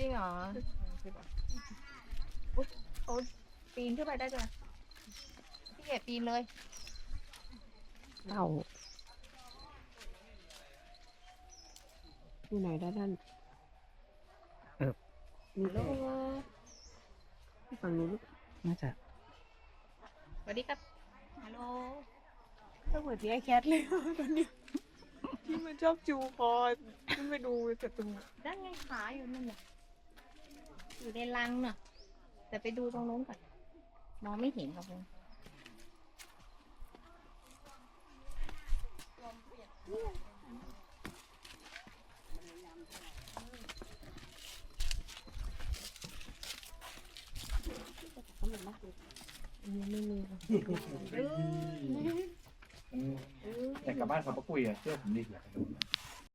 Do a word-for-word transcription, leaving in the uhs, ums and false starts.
ริงเหรออุ๊ยเขาปีนขึ้นไปได้ด้วยพี่เกดปีนเลยเต่าอยู่ไหนด้านนั้นเออนี่แหละฝั่งนู้นน่าจะสวัสดีครับ ฮัลโหลก็เหมือนที่ไอแคทเลยตอนนี้ที่มันชอบจูคอขึ้นไปดูศัตรูนั่นไงขาอยู่นั่นน่ะอยู่ในรังน่ะ แต่ไปดูตรงนู้นก่อน มองไม่เห็นครับผมไม่มีอยากกลับบ้านเขาปะกุยอ่ะเชื่อผมดิอยากไปดู